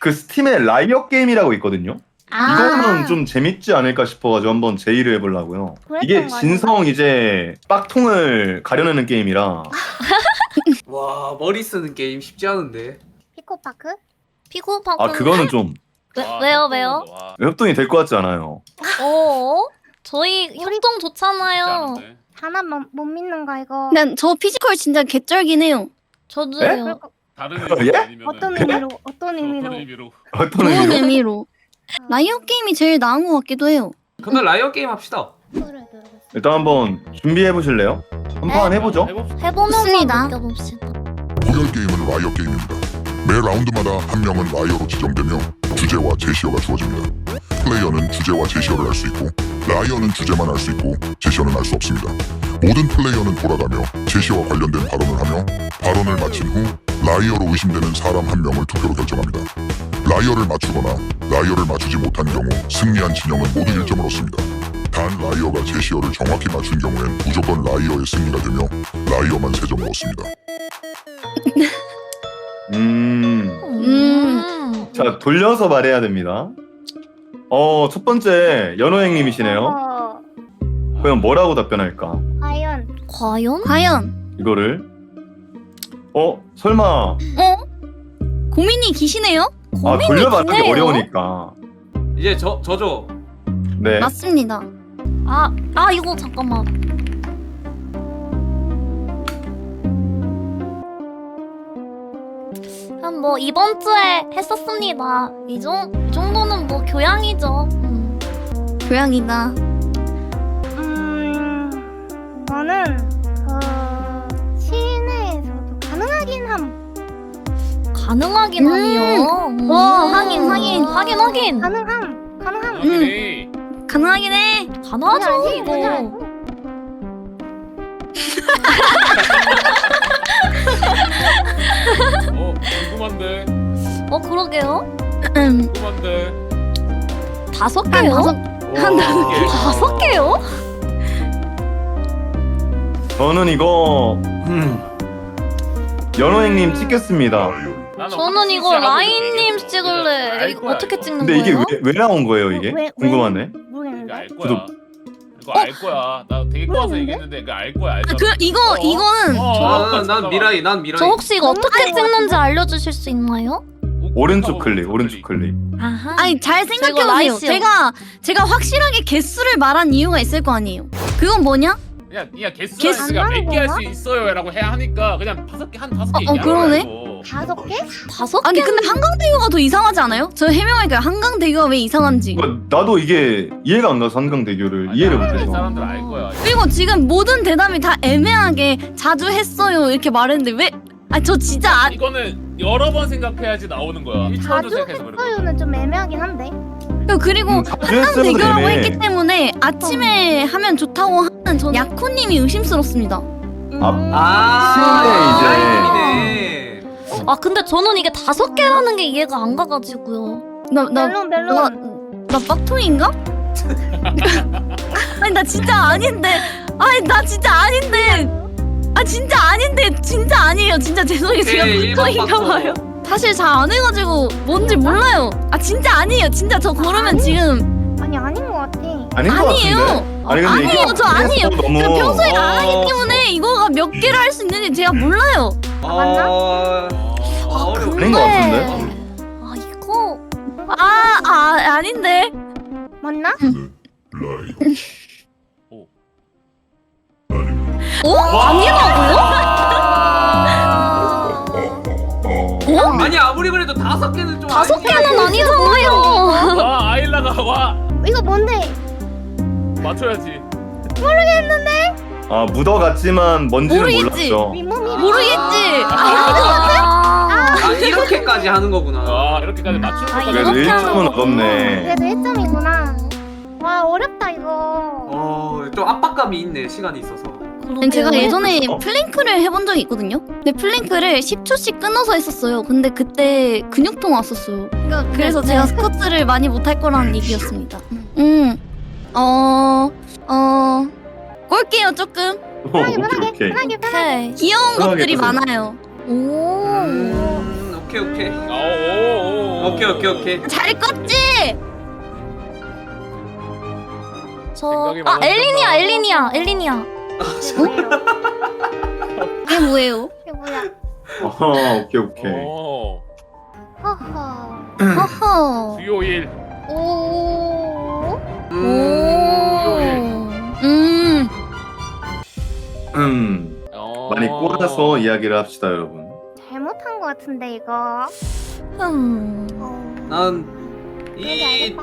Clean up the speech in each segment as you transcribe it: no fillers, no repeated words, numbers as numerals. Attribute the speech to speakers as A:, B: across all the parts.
A: 그 스팀에 라이엇 게임이라고 있거든요. 이거는 좀 재밌지 않을까 싶어가지고 한번 제의를 해보려고요. 이게 진성 이제 빡통을 가려내는 게임이라.
B: 와 머리 쓰는 게임 쉽지 않은데.
C: 피코파크?
D: 피코파크.
A: 아 그거는 좀
D: 왜요?
A: 협동이 될 것 같지 않아요.
D: 저희 협동 좋잖아요.
C: 하나 못 믿는가 이거.
E: 난 저 피지컬 진짜 개쩔긴 해요.
D: 저도요.
F: 다른
A: 예?
F: 아니면
C: 어떤 의미로? 어떤 의미로?
A: 어떤
E: 좋은
A: 의미로?
E: 의미로. 라이엇 게임이 제일 나은 것 같기도 해요.
B: 그러면 라이어 게임 합시다.
A: 일단 한번 준비해 보실래요? 한판 해보죠.
D: 해보면서
E: 좋습니다.
D: 느껴봅시다.
G: 포열 게임은 라이어 게임입니다. 매 라운드마다 한 명은 라이어로 지정되며 주제와 제시어가 주어집니다. 플레이어는 주제와 제시어를 알 수 있고 라이어는 주제만 알 수 있고 제시어는 알 수 없습니다. 모든 플레이어는 돌아가며 제시어와 관련된 발언을 하며 발언을 마친 후 라이어로 의심되는 사람 한 명을 투표로 결정합니다. 라이어를 맞추거나 라이어를 맞추지 못한 경우 승리한 진영은 모두 1점을 얻습니다. 단 라이어가 제시어를 정확히 맞춘 경우엔 무조건 라이어의 승리가 되며 라이어만 3점을 얻습니다.
A: 자 돌려서 말해야 됩니다. 첫 번째 연호행님이시네요. 그럼 뭐라고 답변할까?
D: 과연?
A: 이거를 설마
E: 고민이 기시네요?
A: 돌려 말하기
D: 기네요.
A: 어려우니까.
B: 이제 저죠.
A: 네.
E: 맞습니다.
D: 이거 잠깐만. 그럼 뭐 이번 주에 했었습니다. 이 정도는 뭐 교양이죠.
E: 교양이다.
C: 저는 실내에서도 가능하긴 함.
D: 가능하긴 하니요.
E: 하긴.
C: 가능함.
E: 가능하긴 해.
D: 가능하죠 이거.
F: 궁금한데.
D: 그러게요.
F: 궁금한데.
D: 5개요?
E: 한
D: 5개요?
A: 저는 이거 연호행님 찍겠습니다.
D: 저는 이거 라인님 찍을래. 이거 어떻게 찍는
A: 근데
D: 거예요?
A: 이게 왜 나온 거예요 이게?
C: 왜?
A: 궁금하네.
F: 이거
C: 모르겠는데.
F: 알 거야. 이거 알 거야. 나 되게 꼬아서 얘기했는데 이거 알 거야. 알잖아.
E: 이거는
B: 난 미라이.
D: 저 혹시 이거 어떻게 찍는지 알려주실 수 있나요?
A: 오른쪽 클릭.
D: 아하.
E: 아니 잘
D: 저 이거
E: 생각해보세요.
D: 라이스요.
E: 제가 확실하게 개수를 말한 이유가 있을 거 아니에요. 그건 뭐냐?
F: 그냥
E: 개수
F: 개수가
C: 안
F: 몇개 할
C: 나는
F: 수 있어요라고 해야 하니까 그냥 5개 한 5개 얘기하는
E: 그러네.
F: 거야,
C: 5개?
D: 5개?
E: 아니 근데 한강대교가 더 이상하지 않아요? 저 해명할까요? 한강대교가 왜 이상한지.
A: 나도 이게 이해가 안 가서 한강대교를 이해를 못해서.
F: 사람들 알 거야.
E: 그리고 지금 모든 대답이 다 애매하게 자주 했어요 이렇게 말했는데 왜? 저 진짜
F: 이거는 여러 번 생각해야지 나오는 거야. 1초도
C: 자주
F: 생각해서 그래.
C: 했어요는 좀 애매하긴 한데.
E: 그리고
A: 자주
E: 한강대교라고
A: 했으면
E: 했기 때문에 아침에 하면 좋다고 하는 전 야코님이 의심스럽습니다.
B: 라이님이네.
D: 근데 저는 이게 5개라는 게 이해가 안 가가지고요.
C: 멜론.
E: 나 빡통인가? 아니 나 진짜 아닌데. 진짜 아니에요. 진짜 죄송해요. 제가 빡통인가 봐요. 사실 잘 안 해가지고 뭔지 몰라요. 진짜 아니에요. 진짜 저 그러면 지금
C: 아닌 것 같아.
A: 아닌 것
E: 아니에요.
A: 같은데? 아니 근데
E: 아니에요. 저 아니에요.
A: 너무
E: 제가 평소에 안 하기 때문에 이거가 몇 개를 할 수 있는지 제가 몰라요.
C: 맞나?
B: 어려워.
A: 아닌 것 같은데?
D: 이거
E: 아닌데.
C: 맞나?
B: 아니 아무리 그래도 5개는 좀
D: 5개는 아니잖아요.
F: 와 아일라가 와
C: 이거 뭔데?
F: 맞춰야지.
A: 묻어갔지만 뭔지는
E: 모르겠지.
A: 몰랐죠.
C: 윗몸이
E: 모르겠지.
B: 이렇게까지 하는 거구나.
F: 이렇게까지 맞추는 것까지.
A: 그래도
D: 이렇게
A: 1점은 얻었네.
C: 그래도 1점이구나. 와 어렵다 이거.
B: 좀 압박감이 있네. 시간이 있어서.
E: 제가 예전에
A: 어?
E: 플랭크를 해본 적이 있거든요. 근데 플랭크를 10초씩 끊어서 했었어요. 근데 그때 근육통 왔었어요. 그래서 제가 스쿼트를 많이 못할 거라는 얘기였습니다. 꼴게요 조금.
A: 오케이.
D: 오케이.
E: 귀여운
A: 편하게
E: 것들이
A: 해주세요.
E: 많아요.
D: 오.
B: 오케이.
F: 오.
B: 오케이.
E: 잘 껐지?
F: 생각이
E: 엘리니아.
C: 이게 뭐예요?
E: 이게 뭐예요?
C: 이게 뭐야?
A: 오케이.
C: 허허.
E: 허허.
F: 수요일.
C: 오.
A: 많이 꼬라서 이야기를 합시다, 여러분.
C: 잘못한 거 같은데 이거.
B: 난이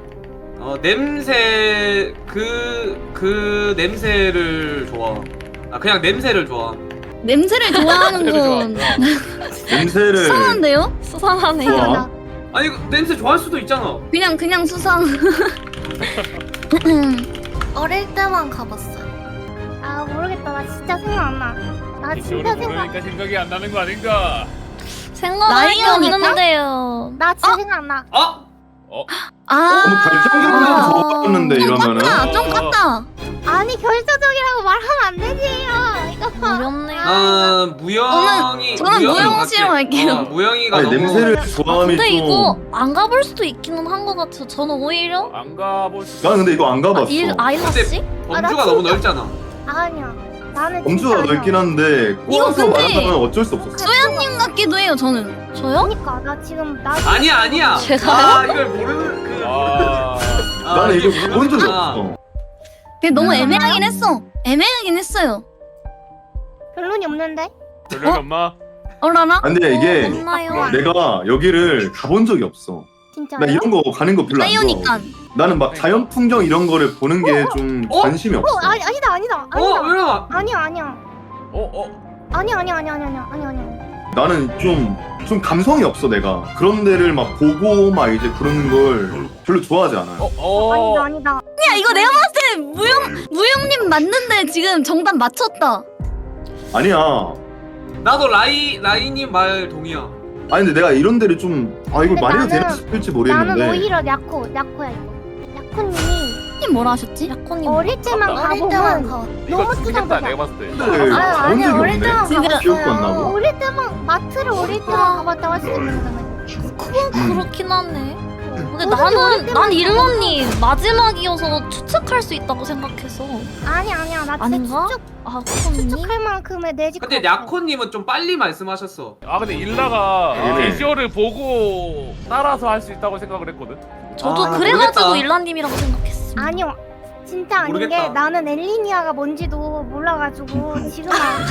B: 냄새 그 냄새를 좋아. 그냥 냄새를 좋아.
E: 냄새를 좋아하는 건
A: 냄새를
E: 수상한데요?
D: 수상하네.
A: 좋아.
B: 아니 냄새 좋아할 수도 있잖아.
E: 그냥 수상.
D: 어릴 때만 가봤어요.
C: 아 모르겠다. 나 진짜 생각 안 나. 나 진짜
F: 그러니까 생각이 안 나는 거 아닌가?
D: 생각할 게
E: 라이언일까?
D: 없는데요.
C: 나 진짜 생각 안 나.
A: 너무 결정적으로 좋았는데 이러면은
E: 좀 깠다.
C: 아니 결정적이라고 말하면 안 되지. 이거 봐.
D: 어렵네요.
B: 무영이.
E: 저는 무영 씨로 갈게요.
B: 무영이가
A: 아니
B: 너무
A: 냄새를 좋아함이
D: 근데
A: 좀
D: 이거 안 가볼 수도 있기는 한 것 같아요. 저는 오히려
F: 안 가볼 수.
A: 나는 근데 이거 안 가봤어.
D: 아이라 씨?
B: 범주가 너무 넓잖아.
C: 아니야. 나는
A: 범주가
C: 진짜
A: 넓긴 한데
E: 이거
A: 꼬아서
E: 근데
A: 말하면 어쩔 수 없었어.
E: 소연님 같기도 해요. 저는.
D: 저요?
C: 그러니까 나 지금 나
B: 아니야.
D: 제가요?
B: 이걸 모르는 그.
A: 나는 이거
B: 이게
A: 본 적이
B: 모르는구나.
A: 없어.
E: 근데 너무 애매하긴 했어. 애매하긴 했어요.
C: 결론이 없는데.
F: 별로 엄마.
E: 어라나?
A: 아, 근데 이게
D: 없나요?
A: 내가 여기를 가본 적이 없어.
C: 진짜요?
A: 나 이런 거 가는 거 별로 안 좋아.
E: 사이오니까.
A: 나는 막 자연 풍경 이런 거를 보는 게 좀 관심이 없어.
C: 아니다.
B: 왜나?
C: 아니야. 아니야.
A: 나는 좀 감성이 없어 내가. 그런 데를 막 보고 막 이제 그런 걸 별로 좋아하지 않아요.
C: 아니다.
E: 야 이거 내가 봤을 때 무영님 맞는데 지금 정답 맞췄다.
A: 아니야.
B: 나도 라이님 말 동의야.
A: 아니 근데 내가 이런 데를 좀 이걸
C: 근데
A: 말해도 되나
C: 나는-
A: 싶을지
C: 나는
A: 모르겠는데
C: 오히려 야코야 이거. 야코님이
E: 님 뭐라 하셨지?
D: 약혼님
C: 어릴 때만 가보면
F: 이거
C: 너무
F: 죽겠다
C: 투정적이야.
F: 내가 봤을 때.
A: 근데
C: 아니,
A: 그런
C: 어릴
A: 적이
C: 때만
A: 없네.
E: 진짜
A: 기억도 안 나고.
C: 어릴 때만 마트를 어릴 때만 가봤다고 할 수 있는 거잖아요.
D: 그건 그렇긴 하네. 근데
C: 어떻게 어릴
D: 난
C: 때만
D: 일러님 마지막이어서 추측할 수 있다고 생각해서.
C: 아니야. 나 진짜
D: 아닌가? 코님?
C: 추측할 만큼의 내집.
B: 근데 야코님은 좀 빨리 말씀하셨어.
F: 근데 일라가
A: 네.
F: 비주얼을 보고 따라서 할 수 있다고 생각을 했거든.
D: 저도
B: 아,
D: 그래가지고
B: 모르겠다.
D: 일라님이라고 생각했어.
C: 아니요. 진짜 아닌
B: 모르겠다.
C: 게 나는 엘리니아가 뭔지도 몰라가지고 지금 나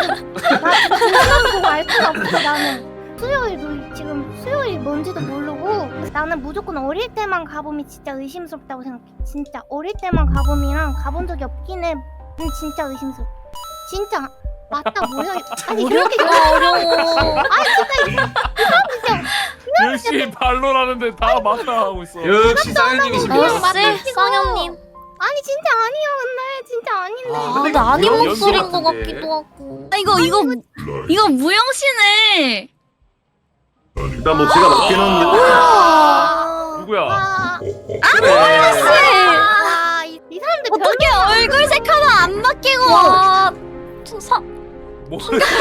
C: 지금 보고 알 수가 없어. 나는 수요일 뭔지도 모르고 나는 무조건 어릴 때만 가봄이 진짜 의심스럽다고 생각해. 진짜 어릴 때만 가봄이랑 가본 적이 없긴 해. 진짜 의심스러워. 진짜 맞다 뭐야? 아니 이렇게
D: 어려워.
F: 열심히 반론하는데 다 맞다 하고 있어.
B: 역시 사연님이십니다.
D: 역시 쌍현님.
C: 아니 진짜 아니야 근데 진짜 아닌데.
D: 근데 아닌
B: 연기
D: 목소리인 것
B: 같은데.
D: 같기도 하고.
E: 이거 무영 씨네.
A: 일단 뭐 제가 맞긴 한데
F: 누구야?
C: 이 사람들
E: 어떻게 얼굴색 하나 안 바뀌고?
D: 와,
F: 뭐?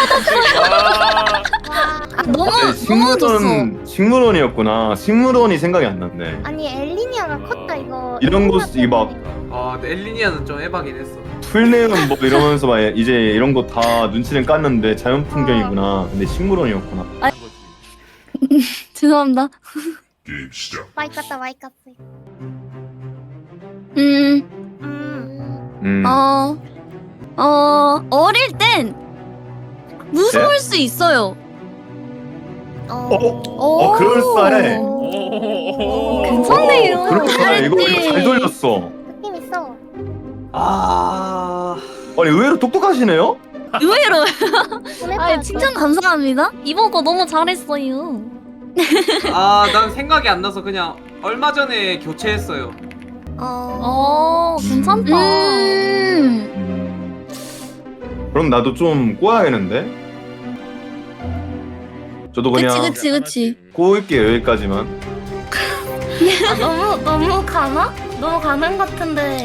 E: 너무 좋았어.
A: 식물원이었구나. 식물원이 생각이 안 났네.
C: 아니 엘리니아가 컸다 이거.
A: 이런 거 이 막
B: 근데 엘리니아는 좀 에바긴 했어.
A: 풀네온 뭐 이러면서 막 이제 이런 거 다 눈치는 깠는데 자연 풍경이구나. 근데 식물원이었구나.
E: 죄송합니다.
G: 게임 시작.
C: 마이 깠다.
E: 어릴 땐 무서울 수 있어요.
A: 그럴싸해.
D: 괜찮네요.
A: 그럴싸해. 이거 잘 돌렸어.
C: 느낌 있어.
A: 아니 의외로 똑똑하시네요.
E: 의외로.
C: 보내봐.
E: 칭찬 감사합니다.
D: 이번 거 너무 잘했어요.
B: 난 생각이 안 나서 그냥 얼마 전에 교체했어요.
D: 괜찮다.
A: 그럼 나도 좀 꼬아야겠는데. 저도 그냥
E: 그치.
A: 꼬을게요 여기까지만.
D: 너무 가나? 너무 가는 같은데.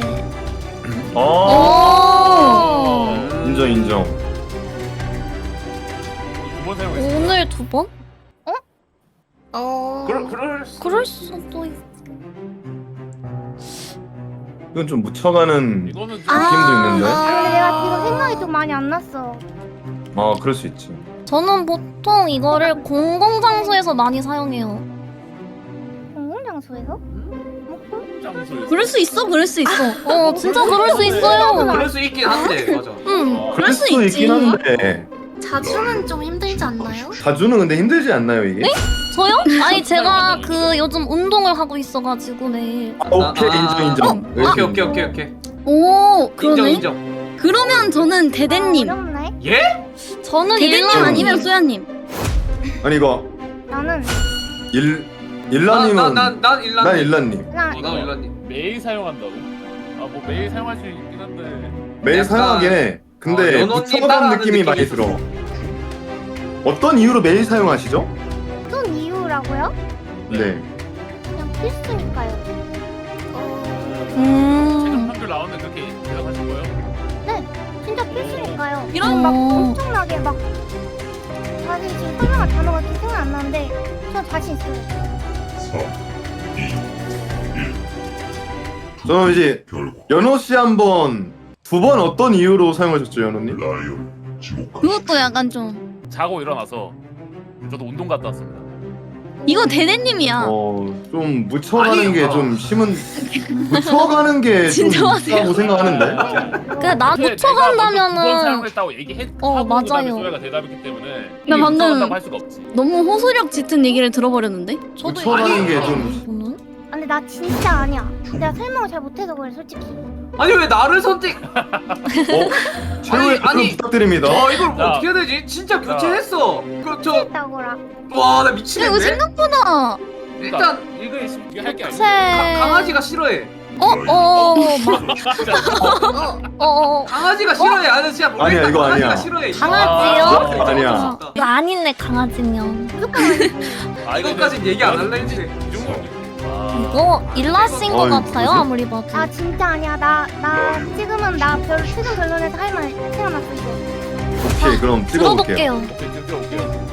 A: 인정.
F: 두번 사용했어.
D: 오늘 두 번? 그럴 수도 있.
A: 이건 좀 묻혀가는
F: 이거는 좀
A: 느낌도 있는데.
C: 근데 내가 지금 생각이 좀 많이 안 났어.
A: 그럴 수 있지.
D: 저는 보통 이거를 공공장소에서 많이 사용해요.
C: 공공장소에서?
F: 장소에서.
E: 그럴 수 있어, 그럴 수 있어.
D: 진짜 그럴 수 있어요.
B: 그럴 수 있긴 한데 맞아.
A: 그럴 수
E: 있지.
A: 있긴 한데
H: 자주는 좀 힘들지 않나요?
A: 자주는 근데 힘들지 않나요 이게?
D: 저요? 아니 제가 그 요즘 운동을 하고 있어가지고 매일.
A: 오케이 인정.
B: 오케이.
E: 오,
B: 인정
E: 그러네.
B: 인정.
E: 그러면 저는 대대님.
C: 어렵네.
B: 예?
D: 저는
E: 대대님
D: 일반
E: 아니면 소야님.
A: 아니 이거
C: 나는
A: 일라님은
B: 난 일라님.
A: 난 일라님.
C: 그냥
B: 난 일라님.
F: 매일 사용한다고? 뭐 매일 사용할 수 있긴 한데.
A: 매일
B: 약간-
A: 사용하긴 해. 근데
B: 연언니
A: 묻혀가는
B: 따라하는
A: 느낌이 많이
B: 느낌이
A: 들어. 어떤 이유로 매일 사용하시죠?
C: 어떤 이유라고요?
A: 네.
C: 그냥 필수니까요.
F: 최종 판결 나오는데 그렇게 대답하실 거예요?
C: 진짜 필수니까요.
E: 이런
C: 막 엄청나게 막 사실 지금 설명할 단어가 지금 생각 안 나는데 저 자신 있어요.
A: 저는 이제
G: 결국
A: 연호 씨 한번 두 번 어떤 이유로 사용하셨죠, 연호님?
G: 라이어 지옥
E: 그것도 약간 좀.
F: 자고 일어나서 저도 운동 갔다 왔습니다.
E: 이거 대대님이야.
A: 좀 묻혀가는
B: 아니,
A: 게 좀 심은 묻혀가는 게 좀
E: 진정하세요.
A: 있다고 생각하는데.
D: 그래 나
F: 두번
D: 묻혀간다면은
F: 사용했다고 얘기했고
D: 맞아요.
F: 그다음에 소야가 대답했기 때문에
E: 나 방금-
F: 묻혀간다고 할 수가 없지.
E: 너무 호소력 짙은 얘기를 들어버렸는데?
D: 저도
A: 묻혀가는 게
B: 아니,
A: 좀
D: 저는
C: 근데 나 진짜 아니야. 내가 설명을 잘 못해서 그래 솔직히.
B: 아니 왜 나를 선택?
A: 최후의
B: 아니.
A: 답변 부탁드립니다.
B: 이걸 뭐
F: 야.
B: 어떻게 해야 되지? 진짜 교체했어.
C: 했다고라.
B: 와 나
E: 이거
B: 미치겠네.
E: 생각보다.
B: 일단
F: 이거 할게 아니야.
B: 강아지가 싫어해. 강아지가 싫어해. 아니 진짜 모르겠다.
A: 아니야, 이거
B: 강아지가
A: 아니야.
B: 싫어해.
D: 강아지요?
A: 아니야.
D: 이거 아니네 강아지면.
B: 이것까진 얘기 안 할래 했지.
F: 이 정도.
D: 이거 일라신 것
A: 이거
D: 같아요
A: 뭐지?
D: 아무리 봐도.
C: 나 진짜 아니야. 나 지금은 나 최근 결론에서 할 말 생각났어 이거.
A: 오케이, 그럼 찍어볼게요.
D: 들어볼게요.
F: 오케이 들어올게요.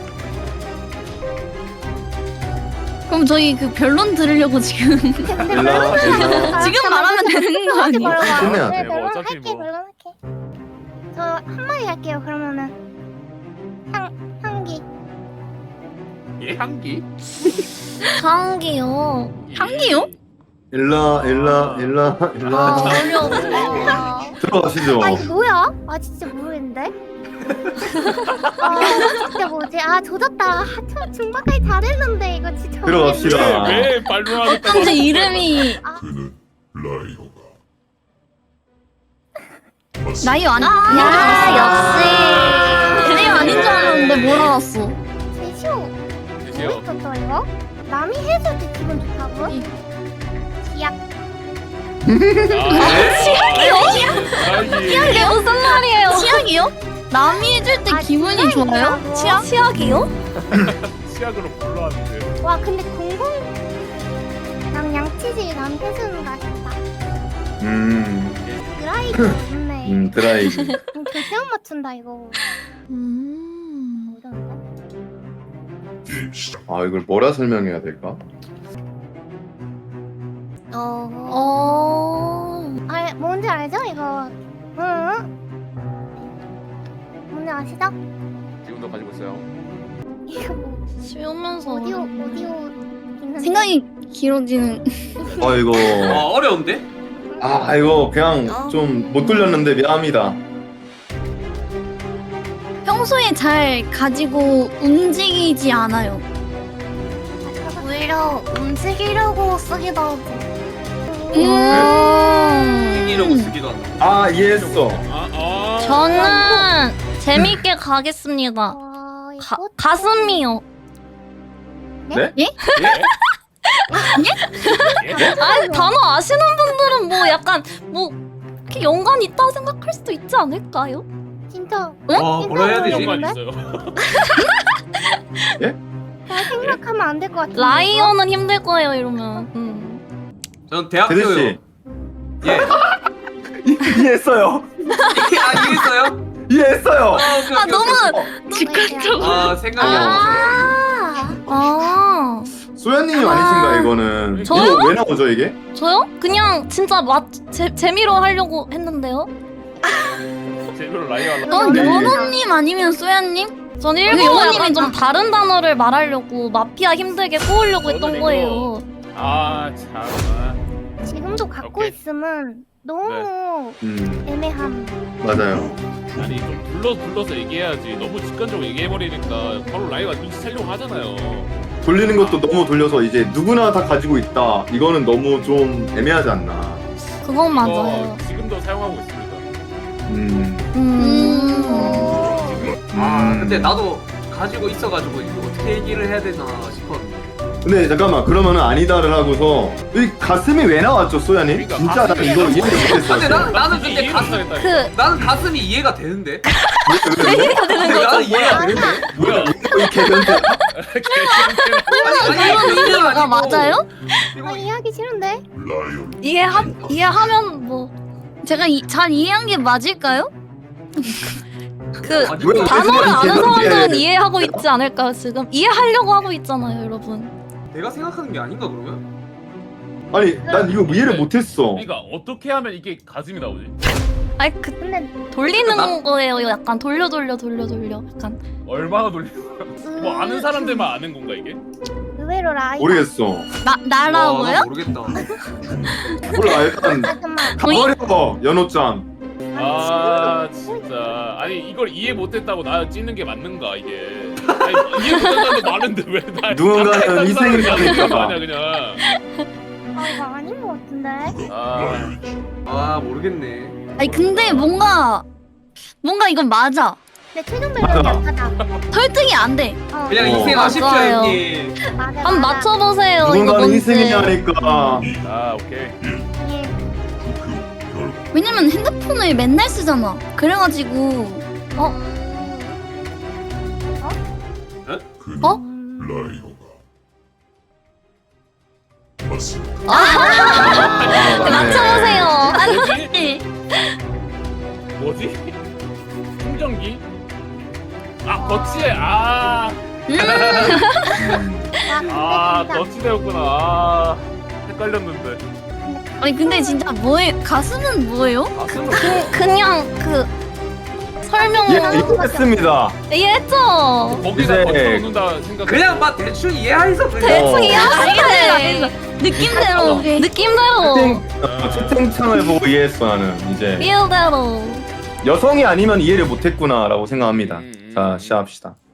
E: 그럼 저희 그 변론 들으려고 지금.
C: 근데
A: 일라.
E: 지금 말하면 되는 거 아니에요?
A: 끝내야
C: 네,
F: 돼. 뭐
C: 별론
F: 어차피
C: 할게,
F: 뭐.
C: 별론 할게. 저 한마디 할게요. 그러면은 향기.
F: 향기?
D: 향기요.
E: 향기요?
A: 일라.
D: 어려워.
A: 들어가시죠.
C: 아 이거 뭐야? 아 진짜 모르겠는데. 아 진짜 뭐지? 아 조졌다. 저 중반까지 잘했는데 이거 진짜.
A: 들어갑시다.
F: 왜 발로하겠다.
E: 어쩐지 이름이
G: 그는 라이어가
E: 나이어 아니.
D: 야
E: 대대님 아닌 줄 알았는데 뭘 알았어?
C: 제시오.
F: 드세요.
C: 모르겠어 이거. 남이 해줄 때 기분 좋다고? 기약.
F: 치약이요?
D: 이게 무슨 말이에요?
E: 치약이요? 남이 해줄 때
C: 아,
E: 기분이
C: 진짜
E: 좋아요?
C: 있더라고.
E: 치약?
D: 치약이요?
F: 치약으로 불러왔는데.
C: 와 근데 난 양치질 난 해주는 거 같다. 드라이기 좋네.
A: 드라이기.
C: 절대 못 맞춘다 이거. 어려운데?
G: 게임 시작.
A: 이걸 뭐라 설명해야 될까?
C: 아 뭔지 알죠 이거? 응? 뭔지 아시죠?
F: 지금도 가지고 있어요.
C: 이거 뭐
D: 쉬우면서
C: 오디오 있는데.
E: 생각이 길어지는.
A: 이거
B: 어려운데?
A: 이거 그냥 좀 못 돌렸는데 미안합니다.
E: 평소에 잘 가지고 움직이지 않아요.
H: 오히려 움직이려고 쓰기도 하고.
B: 이라고 쓰기도 한다.
A: 이해했어.
D: 저는 재밌게 가겠습니다.
C: 이거
D: 가슴이요.
A: 네?
E: 예?
D: 아니 단어 아시는 분들은 뭐 약간 뭐 이렇게 연관이 있다고 생각할 수도 있지 않을까요?
C: 진짜
B: 뭐라 해야 되지?
F: 연관
C: 모르겠는데?
F: 있어요.
C: 잘 생각하면 안 될 것 같은데.
D: 라이언은 힘들 거예요 이러면.
B: 전
A: 대대
B: 대학교요.
A: 씨
B: 예.
A: 이해했어요.
B: 이해했어요?
A: 이해했어요.
B: 오케이, 오케이,
E: 너무
B: 오케이.
E: 즉각적으로.
B: 생각이 안 나서.
D: 아
A: 소연님이 아니신가 이거는?
D: 저요?
A: 이거 왜 나오죠 이게?
D: 저요? 그냥 진짜 재미로 하려고 했는데요.
F: 제대로 라이어 하려고.
E: 그건
A: 네.
E: 연호님 아니면 소야님?
D: 전
E: 근데
D: 일부러
E: 영호님이
D: 약간 좀 다른 단어를 말하려고 마피아 힘들게 꼬으려고 했던
F: 저는
D: 거예요.
F: 아 참.
C: 지금도 갖고
F: 오케이.
C: 있으면 너무 애매함.
A: 맞아요.
F: 아니 좀 불러서 얘기해야지. 너무 직관적으로 얘기해버리니까 바로 라이어가 눈치 채려고 하잖아요.
A: 돌리는 것도 너무 돌려서 이제 누구나 다 가지고 있다. 이거는 너무 좀 애매하지 않나.
D: 그건 맞아요.
F: 지금도 사용하고 있습니다.
B: 아 근데 나도 가지고 있어가지고 이거 어떻게 얘기를 해야 되나 싶었는데.
A: 근데 잠깐만 그러면은 아니다를 하고서 이 가슴이 왜 나왔죠 소연님?
F: 그러니까
A: 진짜 나
F: 가슴이
A: 이거 이해를
B: 아, 근데
A: 못했어.
B: 나는 근데
F: 이해를
B: 가슴
F: 못하겠다.
D: 그
B: 나는 가슴이 이해가 되는데.
D: 이해가 되는
B: 근데
D: 거죠.
B: 나는 이해가 되는데.
F: 뭐야?
A: 이 개변태.
B: 아니
E: 이해가 맞아요?
B: 이거
C: 아, 이해하기 싫은데?
G: 라이언
D: 이해하면 뭐
E: 제가 잘 이해한 게 맞을까요?
D: 그
B: 아니,
A: 왜?
D: 단어를 아는
A: 이해하는
D: 사람들은
A: 게-
D: 이해하고 있지 않을까요? 지금 이해하려고 하고 있잖아요, 여러분.
B: 내가 생각하는 게 아닌가 그러면?
A: 아니 난 이거 이해를 못했어.
F: 그러니까 어떻게 하면 이게 가슴이 나오지?
D: 아니 그
C: 근데
D: 돌리는 거예요. 약간 돌려 약간
F: 얼마나 돌리는 거야? 뭐 아는 사람들만 아는 건가 이게?
C: 의외로 라이.
A: 모르겠어.
E: 나라고요?
B: 나 모르겠다.
A: 몰라 일단
C: 잠깐만.
A: 가버려 연호짱.
F: 아 진짜 아니 이걸 이해 못했다고 나 찌는 게 맞는가 이게? 아니, 이해 못한다는 말인데 왜 나?
A: 누군가는 희생을 하니까.
F: 거 아니야 그냥.
C: 아 이거 아닌 것 같은데?
F: 아
B: 아 모르겠네.
E: 아니 근데 뭔가 이건 맞아.
C: 내 최종 변경이 약하다.
E: 설득이 안 돼.
B: 그냥
A: 어.
B: 희생하십시오
D: 맞아요.
B: 형님.
C: 맞아.
D: 한번 맞춰보세요. 이거
A: 누군가는
D: 뭔지.
A: 희생이냐니까.
F: 아 오케이.
C: 예.
E: 왜냐면 핸드폰을 맨날 쓰잖아. 그래가지고
G: 라이어가 맞습니다.
D: 맞춰보세요.
F: 뭐지? 뭐지? 충전기? 아 거치대 아 거치대였구나. 아 헷갈렸는데.
E: 아니 근데 진짜 뭐예요? 가슴은 뭐예요?
B: 가슴은
D: 그냥 그 설명
A: 예 이해했습니다.
D: 이해했죠?
F: 거기다
A: 이제-
F: 거쳐놓는다 생각.
B: 그냥 막 대충 이해해서 그냥.
D: 대충
A: 어.
D: 이해하시네.
E: 느낌대로
D: 느낌대로
A: 채팅창을 보고 이해했어 나는 이제
D: 필대로.
A: 여성이 아니면 이해를 못했구나라고 생각합니다. 자 시작합시다.